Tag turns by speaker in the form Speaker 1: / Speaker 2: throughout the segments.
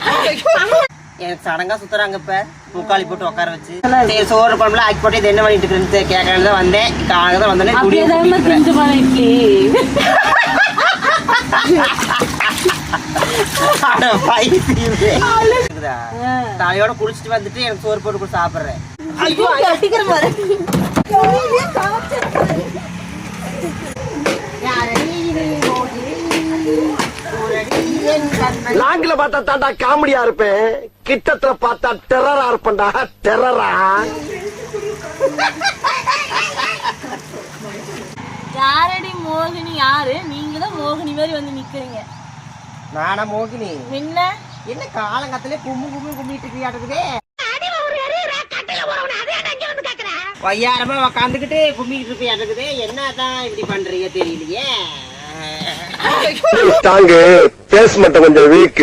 Speaker 1: எனக்கு சடங்கா சுத்துறாங்க இப்ப முக்காளி போட்டு உட்கார வச்சு சரி சோறு குழம்புல ஆக்கி போட்டு இது என்ன பண்ணிட்டு இருக்குன்னு கேட்கறது தான் வந்தேன். காலையில தான் வந்தோடனே தலையோட குளிச்சுட்டு வந்துட்டு எனக்கு சோறு போட்டு கூட சாப்பிடுறேன்.
Speaker 2: நாங்கள பார்த்தா தாண்டா காமெடியா இருப்பேன், கிட்டத்துல பார்த்தா டெரரா இருப்பேன்டா. டெரரா
Speaker 3: யாரடி மோகினி? யாரு நீங்க தான் மோகினி மாதிரி வந்து நிக்கிறீங்க.
Speaker 1: நானா மோகினி?
Speaker 3: என்ன
Speaker 1: என்ன காலங்கத்திலே கும்பிட்டு இருக்கியாட்டுக்குதே. வையாரமா உக்காந்துக்கிட்டு கும்பிட்டு இருக்கியாட்டுக்குதே. என்னதான் இப்படி பண்றீங்க தெரியலையே.
Speaker 2: பேஸ்மெண்ட் கொஞ்சம் வீக்.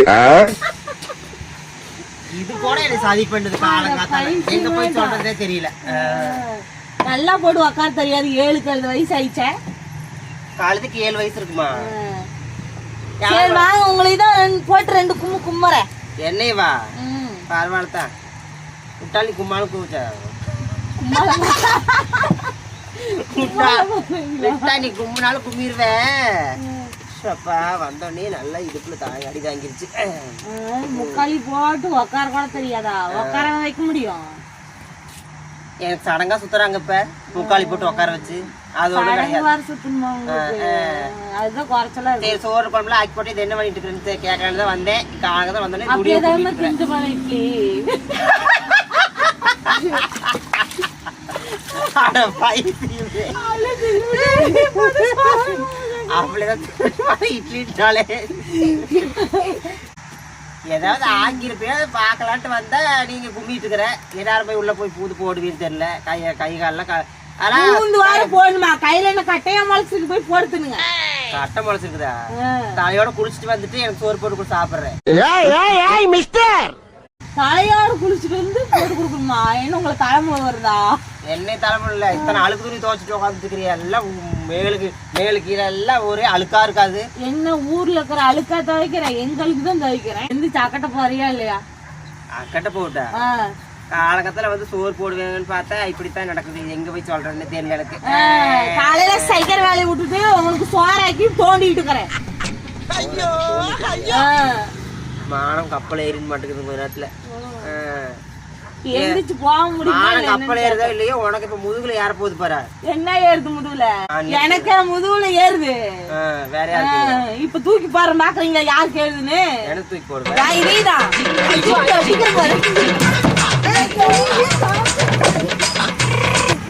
Speaker 1: இது கூட எனக்கு சதி பண்ணுது காலங்காத்தால. எங்க போய் சொல்றதே தெரியல.
Speaker 3: நல்லா போட்டு உக்கார தெரியாது. 7 வயசு ஆயிடுச்சே.
Speaker 1: காலத்துக்கு 7 வயசு இருக்குமா?
Speaker 3: சரி வாங்க, உங்களுக்கு தான் போட்டு 2 கும்மு கும்மறேன்.
Speaker 1: என்னையவா? பரவாயில்லதான். விட்டாலி கும்மாலும் கூச்சா விட்டா நீ கும்பினாலும் கும்பிடுவேன். வந்தோடனே நல்லா இடுப்புல அடி தாங்கிருச்சு.
Speaker 3: முக்காளி போட்டு உக்கார கூட தெரியாதா? உக்கார வைக்க முடியும்?
Speaker 1: எனக்கு சடங்கா சுத்துறாங்க இப்ப முக்காளி போட்டு உட்கார வச்சு. அதோட
Speaker 3: அதுதான் குறைச்சலா
Speaker 1: சரி சோறு குழம்புல ஆக்கி போட்டு இது என்ன பண்ணிட்டு இருக்குன்னு கேட்கறது தான் வந்தேன். காலையில தான் வந்தோடனே இட்லினாலே ஏதாவது ஆங்கிருப்பேன் பாக்கலான்ட்டு வந்தா நீங்க கும்பிட்டு இருக்கிற. எல்லாரும் போய் உள்ள போய் பூது போடுவீன்னு தெரியல. கை காலெல்லாம்
Speaker 3: போடணுமா? கையில என்ன கட்டையா முளைச்சிருக்கு? போய் போடுத்துனுங்க.
Speaker 1: கட்டை முளைச்சிருக்குதா? தலையோட குளிச்சுட்டு வந்துட்டு எனக்கு சோறு போட்டு கூட சாப்பிடுறேன்.
Speaker 3: தலையோட குளிச்சுட்டு வந்து போட்டு கொடுக்கணுமா? என்ன உங்களுக்கு தலைமுறை வருதா?
Speaker 1: என்ன தலைமுறை இல்ல. இத்தனை அழுக்கு துணி துவைச்சிட்டு உட்காந்துட்டு இருக்கிறியா? எல்லாம் மேலு கீழே எல்லாம் ஒரே அழுக்கா இருக்காது.
Speaker 3: என்ன ஊர்ல இருக்கிற அழுக்கா துவைக்கிறேன்? எங்களுக்கு தான் துவைக்கிறேன். எந்த சக்கட்டை போறியா இல்லையா?
Speaker 1: அக்கட்டை போட்டா காலகத்துல வந்து சோறு போடுவேங்கன்னு பார்த்தா இப்படித்தான் நடக்குது. எங்க போய் சொல்றேன்னு தெரியல எனக்கு.
Speaker 3: காலையில சைக்கிள் வேலையை விட்டுட்டு உங்களுக்கு சோறாக்கி தோண்டிட்டு இருக்கிறேன்.
Speaker 1: மானம் கப்பல் ஏறின்னு மாட்டேங்குது கொஞ்ச நேரத்துல.
Speaker 3: எந்திரிச்சு போக முடியும்.
Speaker 1: கப்பல் ஏறுதா இல்லையோ உனக்கு இப்ப முதுகுல ஏற போகுது பாரு.
Speaker 3: என்ன ஏறுது முதுகுல? எனக்கு முதுகுல ஏறுது.
Speaker 1: வேற யாருக்கு?
Speaker 3: இப்ப தூக்கி பாரு பாக்குறீங்க யாருக்கு ஏறுதுன்னு.
Speaker 1: எனக்கு தூக்கி போடுவேன்.
Speaker 3: இதேதான்